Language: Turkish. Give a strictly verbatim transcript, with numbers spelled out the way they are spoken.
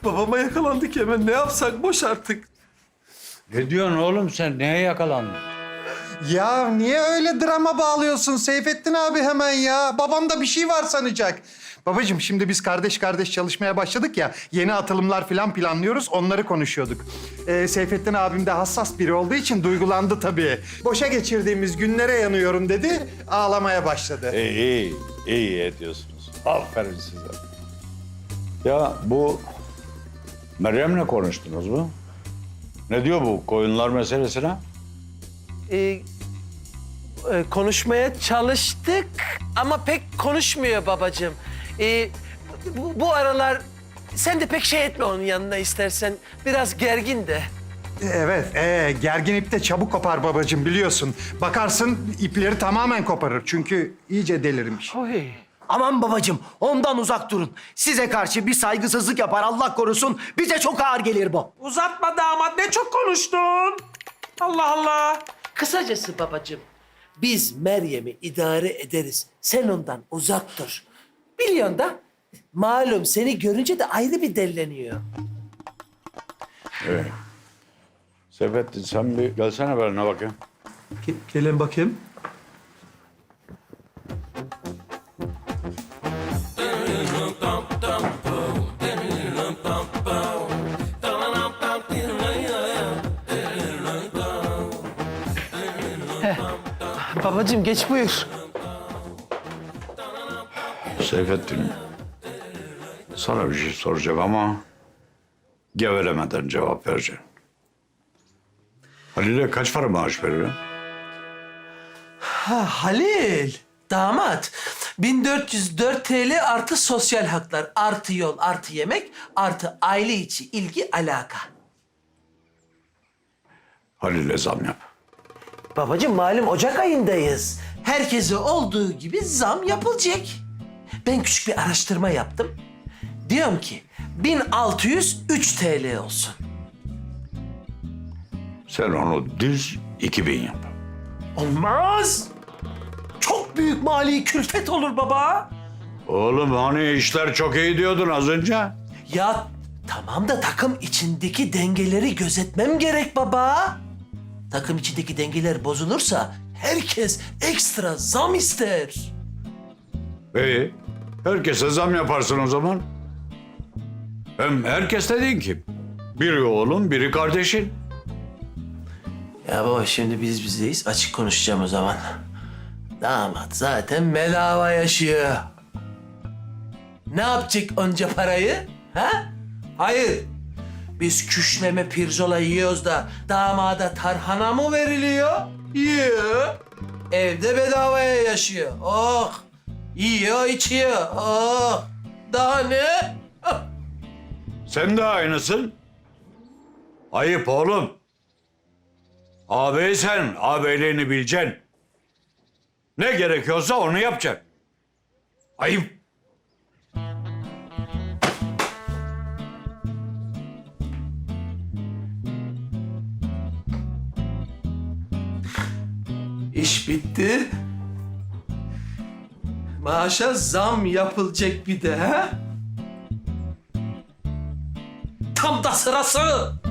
Babama yakalandık hemen. Ne yapsak boş artık. Ne diyorsun oğlum sen? Neye yakalandın? Ya niye öyle drama bağlıyorsun Seyfettin abi hemen ya? Babamda bir şey var sanacak. Babacığım şimdi biz kardeş kardeş çalışmaya başladık ya. Yeni atılımlar falan planlıyoruz. Onları konuşuyorduk. Ee, Seyfettin abim de hassas biri olduğu için duygulandı tabii. Boşa geçirdiğimiz günlere yanıyorum dedi. Ağlamaya başladı. İyi, iyi, iyi ediyorsunuz. Aferin size. Ya bu Meryem'le konuştunuz mu? Ne diyor bu koyunlar meselesine? Ee, e, konuşmaya çalıştık ama pek konuşmuyor babacığım. Ee, bu, bu aralar sen de pek şey etme onun yanına istersen. Biraz gergin de. Evet, ee, gergin ip de çabuk kopar babacığım biliyorsun. Bakarsın ipleri tamamen koparır çünkü iyice delirmiş. Oy. Aman babacığım, ondan uzak durun. Size karşı bir saygısızlık yapar, Allah korusun. Bize çok ağır gelir bu. Uzatma damat, ne çok konuştun. Allah Allah. Kısacası babacığım, biz Meryem'i idare ederiz. Sen ondan uzak dur. Biliyorsun da, malum seni görünce de ayrı bir delleniyor. Evet. Seyfettin sen bir gelsene benimle bakayım. Gelin bakayım. Heh. Babacığım geç buyur. Seyfettin, sana bir şey soracağım ama gevelemeden cevap vereceksin. Halil'e kaç para maaş veriyorsun? Ha Halil, damat. bin dört yüz dört TL artı sosyal haklar, artı yol, artı yemek, artı aile içi ilgi, alaka. Halil'e zam yap. Babacığım malum Ocak ayındayız. Herkese olduğu gibi zam yapılacak. Ben küçük bir araştırma yaptım. Diyorum ki bin altı yüz üç TL olsun. Sen onu düz iki bin yap. Olmaz. Çok büyük mali külfet olur baba. Oğlum hani işler çok iyi diyordun az önce. Ya tamam da takım içindeki dengeleri gözetmem gerek baba. Takım içindeki dengeler bozulursa herkes ekstra zam ister. İyi. Herkese zam yaparsın o zaman. Hem herkes dediğin kim? Biri oğlum, biri kardeşin. Ya baba şimdi biz bizdeyiz. Açık konuşacağım o zaman. Damat zaten bedava yaşıyor. Ne yapacak onca parayı? Ha? Hayır. Biz küşleme pirzola yiyoruz da damada tarhana mı veriliyor? Yiyor. Evde bedavaya yaşıyor. Oh. Yiyor, içiyor. Oh. Daha ne? Ah. Sen de aynısın. Ayıp oğlum. Ağabeysen ağabeyliğini bileceksin. Ne gerekiyorsa onu yapacaksın. Ayıp. İş bitti. Maaşa zam yapılacak bir de ha? Tam da sırası.